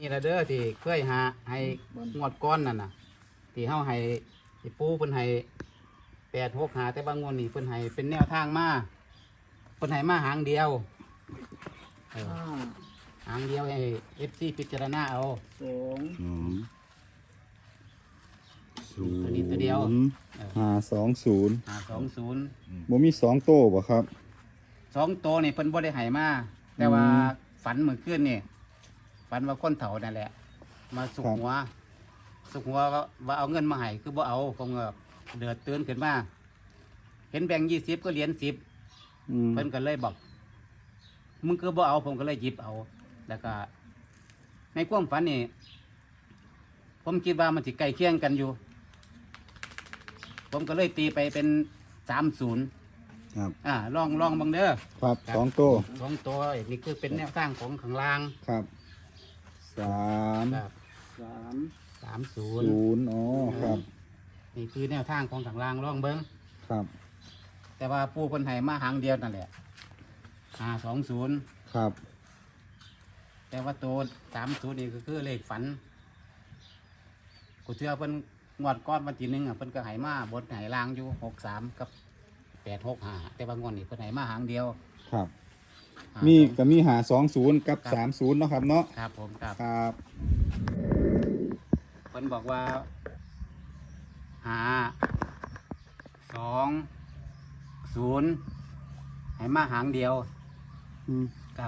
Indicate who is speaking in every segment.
Speaker 1: นี่ละเด้อที่เคยหาให้งวดก้อนนั่นน่ะที่เฮาให้ปูเพิ่นให้865แต่บางงวดนี่เพิ่นให้เป็นแนวทางมาเพิ่นให้มาหางเดียวหางเดียวให้ FC พิจารณาเอา
Speaker 2: สอง
Speaker 3: ศูน
Speaker 1: ตัวนี้ตัวเดียว
Speaker 3: 520
Speaker 1: 520
Speaker 3: บ่มี2โต้บ่ครับ
Speaker 1: 2ตัวนี่เพิ่นบ่ได้ให้มาแต่ว่าฝันเมื่อคืนนี่ฝันว่าคนเฒ่านั่นแหละ มาสุกหัวว่าเอาเงินมาให้คือบ่เอาผมก็เดือดตื่นขึ้นมาเห็นแบงค์20ก็เหรียญ10เพิ่นก็เลยบอกมึงคือบ่เอาผมก็เลยหยิบเอา แล้วก็ในความฝันนี่ผมคิดว่ามันสิใกล้เคียงกันอยู่ ผมก็เลยตีไปเป็น30
Speaker 3: ครับ
Speaker 1: ลองบังเด้อ
Speaker 3: ครับ
Speaker 1: ครับ
Speaker 3: 2โต้
Speaker 1: 2ตัวนี่คือเป็นแนวทางของข้างล่าง
Speaker 3: ครับ3
Speaker 1: ครับ
Speaker 2: สาม
Speaker 1: 30
Speaker 3: 0อ๋อครับ
Speaker 1: นี่คือแนวทางของข้างล่างลองเบิ้ง
Speaker 3: ครับ
Speaker 1: แต่ว่าปูคนไทยมาหางเดียวนั่นแหละ520
Speaker 3: ครับ
Speaker 1: แต่ว่าตัว30นี่ก็คือเลขฝันกูเชื่อเพิ่นงวดก้อนวันที่1เพิ่นก็ให้มาบนให้ล่างอยู่63กับ865แต่ว่างวดนี้เพิ่นให้มาหางเดียว
Speaker 3: ครับ
Speaker 1: 52
Speaker 3: ก็มี520กับ30เนาะครับเนาะ
Speaker 1: ครับผมครับ
Speaker 3: ครับ
Speaker 1: เพิ่นบอกว่า520ให้มาหางเดียวครับ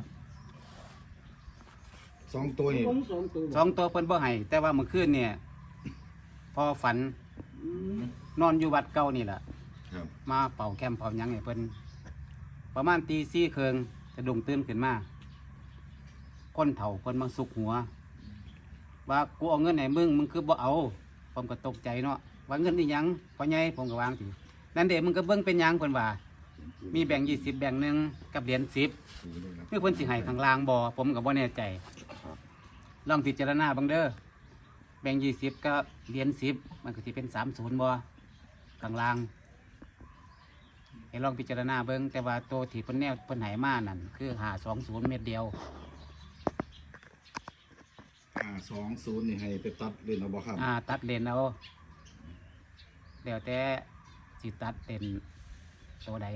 Speaker 3: 2ตัวนี่
Speaker 2: ผมสองตัว
Speaker 1: 2ตัวเพิ่นบ่ให้แต่ว่าเมื่อคืนเนี่ยพอฝัน
Speaker 2: อืม
Speaker 1: นอนอยู่วัดเก่านี่แหละ
Speaker 3: ครับ
Speaker 1: มาเป่าแคมเป่าหยังให้เพิ่นประมาณตี4ครึ่งจะดุ้งตื่นขึ้นมาคนเฒ่าเพิ่นมาสุกหัว ว่ากูเอาเงินให้มึงคือบ่เอาผมก็ตกใจเนาะว่าเงินนี่หยังพ่อใหญ่ผมก็วางสินั่นเด้มึงก็เบิ่งเป็นหยังเพิ่นว่า มีแบ่งค์20แบ่งค์หนึงกับเหรียญ10คือเพิ่นสิให้ข้างล่างบ่ผมก็บ่แน่ใจลองพิจารณาเบิ่งเด้อแบ่งค์20กับเหรียญ10มันก็สิเป็น30บ่ข้างล่างให้ลองพิจารณาเบิ่งแต่ว่าตัวที่เพิ่นแนวเพิ่นให้มานั่นคือ520เม็ดเดียว
Speaker 3: 520นี่ให้ไปตัดเล่นเอาบ่ครับ
Speaker 1: ตัดเลนเอาแล้วแต่สิตัดเป็นตัวใด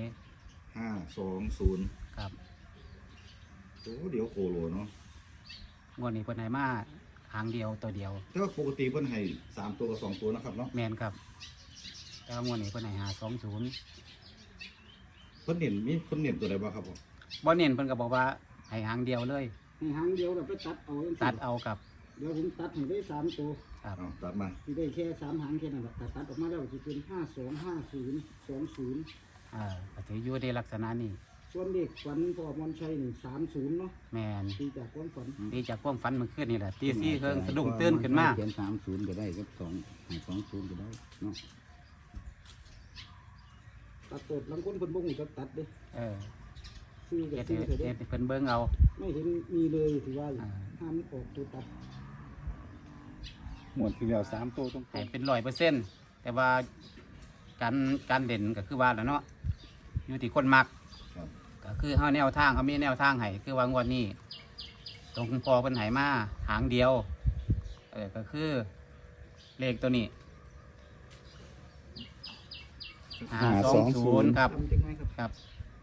Speaker 3: 520
Speaker 1: ครับ
Speaker 3: โอ้เดี๋ยวโคโลเนาะ
Speaker 1: งวดนี้เพิ่นให้มาหางเดียวตัวเดียว
Speaker 3: แต่ว่าปกติเพิ่นให้3ตัวกับ2ตัวนะครับเนาะ
Speaker 1: แมนครับแต่ว่างวดนี้เพิ่นให้520
Speaker 3: เพิ่นเน้นมีเพิ่นเน้นตัวใดบ่ครับผม
Speaker 1: บ่เน้นเพิ่นก็บอกว่าให้หางเดียวเลย
Speaker 2: ให้หางเดียวเราไปตัดเอาจังซี้
Speaker 1: ตัดเอากับ
Speaker 2: เดี๋ยวผมตัดให้ได้สามตัว
Speaker 1: ครับ
Speaker 3: เอาตัดมา
Speaker 2: ที่ได้แค่3หางแค่นั้นแหละแต่ตัดออกมาแล้วจะเป็น5250 20
Speaker 1: ก็ถืออยู่ในลักษณะนี้
Speaker 2: ส่วนเด็กฝันพ่อมนชัยนี่30เนาะ
Speaker 1: แมน
Speaker 2: ตีจากความฝัน
Speaker 1: ดีจากความฝันเมื่อคืนนี่แหละตี4ครึ่งสะดุ้งตื่นขึ้นมา
Speaker 4: เขียน30ก็ได้ครับ20ก็ได้เนาะ
Speaker 2: ตัดตดบางคนเพิ่นบ่ฮู้จักตัดเด้
Speaker 1: เออ
Speaker 2: ซื้อกับ
Speaker 1: เฮ็ด
Speaker 2: ซื้อเถอะ
Speaker 1: เฮ็
Speaker 2: เด้
Speaker 1: ดเพิ่นเบิ่งเอา
Speaker 2: ไม่เห็นมีเลยถือว่า
Speaker 1: อ่า
Speaker 2: ห้ามออกตัวตัด
Speaker 3: หมดทีเดียว3ตัวต้อง
Speaker 1: ให้เป็น100%แต่ว่าการเด่นก็คือว่าแล้วเนาะอยู่ที่คนมัก
Speaker 3: ครับ
Speaker 1: ก็คือเฮาแนวทางเขามีแนวทางให้คือว่างวดนี้ตรงพอเพิ่นให้มาหางเดียวก็คือเลขตัวนี้520ครับ
Speaker 2: ทำจังไงครับ
Speaker 1: ครับ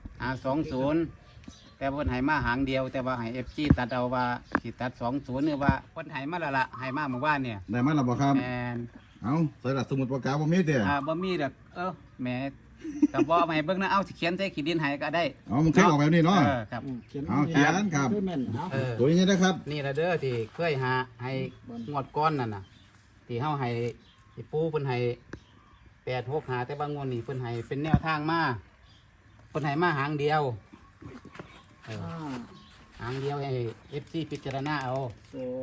Speaker 1: 520แต่เพิ่นให้มาหางเดียว แต่ว่าให้ FG ตัดเอาว่าสิตัด20นี่ว่าเพิ่นให้มาแล้วล่ะให้มาเมื่อวานเนี่ย
Speaker 3: ได้มาแล้วบ่ครับ
Speaker 1: แม่น
Speaker 3: เอาใส่สมุดปากกาบ่มีเด้อ
Speaker 1: บ่มีดอกแหมก็บ่เอามาให้เบิ่งนะเอาสิเขียนใส่ขีดดินให้ก็ได้
Speaker 3: เอามันเคยออกแบบนี้เนาะ
Speaker 1: ครับ
Speaker 2: เขียน
Speaker 3: เอาเขียนครับ
Speaker 2: เพื่อแม่นเอา
Speaker 3: ตัวนี้นะครับ
Speaker 1: นี่ละเด้อที่เคยหาให้งวดก้อนนั่นน่ะที่เฮาให้ปูเพิ่นให้865แต่บางงวดนี่เพิ่นให้เป็นแนวทางมาเพิ่นให้มาหางเดียว
Speaker 2: ห้า
Speaker 1: หางเดียวให้ FC พิจารณาเอา
Speaker 2: สอง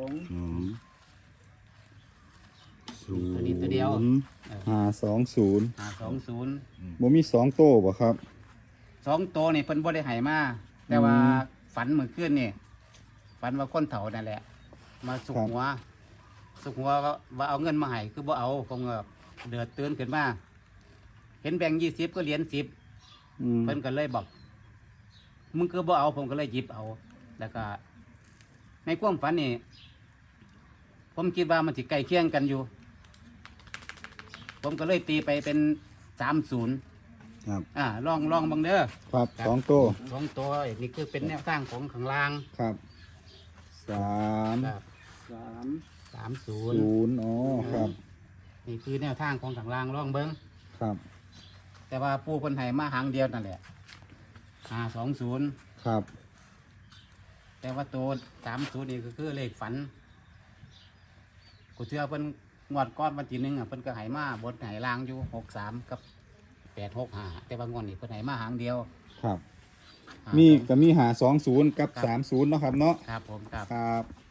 Speaker 1: ตัวนี้ตัวเดียว
Speaker 3: 520
Speaker 1: 520
Speaker 3: บ่มี2โต้บ่ครับ
Speaker 1: 2ตัวนี่เพิ่นบ่ได้ให้มาแต่ว่าฝันเมื่อคืนนี่ฝันว่าคนเฒ่านั่นแหละ มาสุกหัวว่าเอาเงินมาให้คือบ่เอาผมก็เดือดตื่นขึ้นมาเห็นแบ่งค์20ก็เหรียญ10เพิ่นก็เลยบอกมึงคือบ่เอาผมก็เลยหยิบเอา แล้วก็ในความฝันนี่ผมคิดว่ามันสิใกล้เคียงกันอยู่ ผมก็เลยตีไปเป็น30
Speaker 4: ครับ
Speaker 1: ลองบังเด้อ
Speaker 4: ครับสองตัว
Speaker 1: สองตัวนี่คือเป็นแนวทางของข้างล่าง
Speaker 4: ครับสาม
Speaker 1: ครับ
Speaker 2: 3
Speaker 1: 30
Speaker 4: อ๋อครับ
Speaker 1: นี่คือแนวทางของข้างล่างลองเบิ้ง
Speaker 4: ครับ
Speaker 1: แต่ว่าปูคนไห้มาหางเดียวนั่นแหละ520
Speaker 4: ครับ
Speaker 1: แต่ว่าตัว30นี่ก็คือเลขฝันกูเชื่อเพิ่นงวดก้อนวันที่1เพิ่นก็ให้มาบนให้ล่างอยู่63กับ865แต่ว่างวดนี้เพิ่นให้มาหางเดียว
Speaker 4: ครับ
Speaker 1: อ่า
Speaker 4: มีก็มีหา20กับ30เนาะครับเนาะ
Speaker 1: ครับผมครับ
Speaker 4: ครับ